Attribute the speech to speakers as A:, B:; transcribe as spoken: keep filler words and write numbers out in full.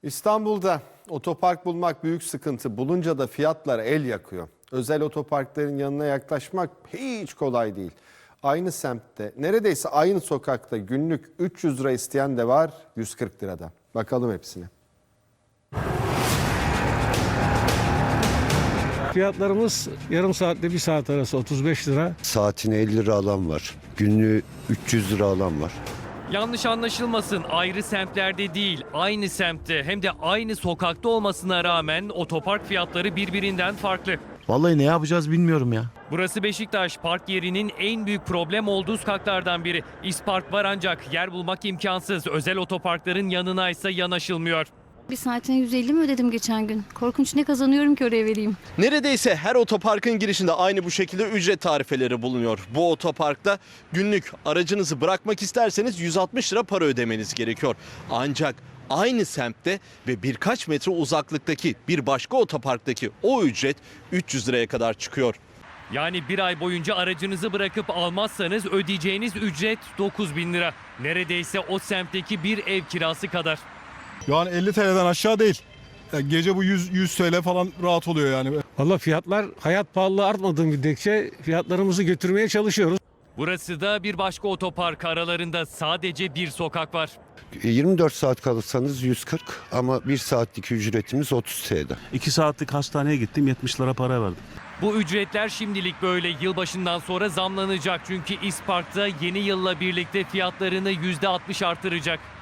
A: İstanbul'da otopark bulmak büyük sıkıntı. Bulunca da fiyatlar el yakıyor. Özel otoparkların yanına yaklaşmak hiç kolay değil. Aynı semtte, neredeyse aynı sokakta günlük üç yüz lira isteyen de var, yüz kırk lirada. Bakalım hepsine.
B: Fiyatlarımız yarım saatle bir saat arası otuz beş lira.
C: Saatine elli lira alan var. Günlüğü üç yüz lira alan var.
D: Yanlış anlaşılmasın, ayrı semtlerde değil, aynı semtte hem de aynı sokakta olmasına rağmen otopark fiyatları birbirinden farklı.
E: Vallahi ne yapacağız bilmiyorum ya.
D: Burası Beşiktaş, park yerinin en büyük problem olduğu sokaklardan biri. İspark var ancak yer bulmak imkansız. Özel otoparkların yanına ise yanaşılmıyor.
F: Bir saatine yüz elli mi ödedim geçen gün? Korkunç, ne kazanıyorum ki oraya vereyim?
G: Neredeyse her otoparkın girişinde aynı bu şekilde ücret tarifeleri bulunuyor. Bu otoparkta günlük aracınızı bırakmak isterseniz yüz altmış lira para ödemeniz gerekiyor. Ancak aynı semtte ve birkaç metre uzaklıktaki bir başka otoparktaki o ücret üç yüz liraya kadar çıkıyor.
D: Yani bir ay boyunca aracınızı bırakıp almazsanız ödeyeceğiniz ücret dokuz bin lira. Neredeyse o semtteki bir ev kirası kadar.
H: Yani elli T L'den aşağı değil. Yani gece bu yüz, yüz T L falan rahat oluyor yani.
B: Valla fiyatlar hayat pahalılığı artmadığı müddetçe fiyatlarımızı götürmeye çalışıyoruz.
D: Burası da bir başka otopark, aralarında sadece bir sokak var.
C: yirmi dört saat kalırsanız yüz kırk ama bir saatlik ücretimiz otuz T L.
E: iki saatlik hastaneye gittim, yetmiş lira para verdim.
D: Bu ücretler şimdilik böyle, yılbaşından sonra zamlanacak. Çünkü İspark'ta yeni yılla birlikte fiyatlarını yüzde altmış artıracak.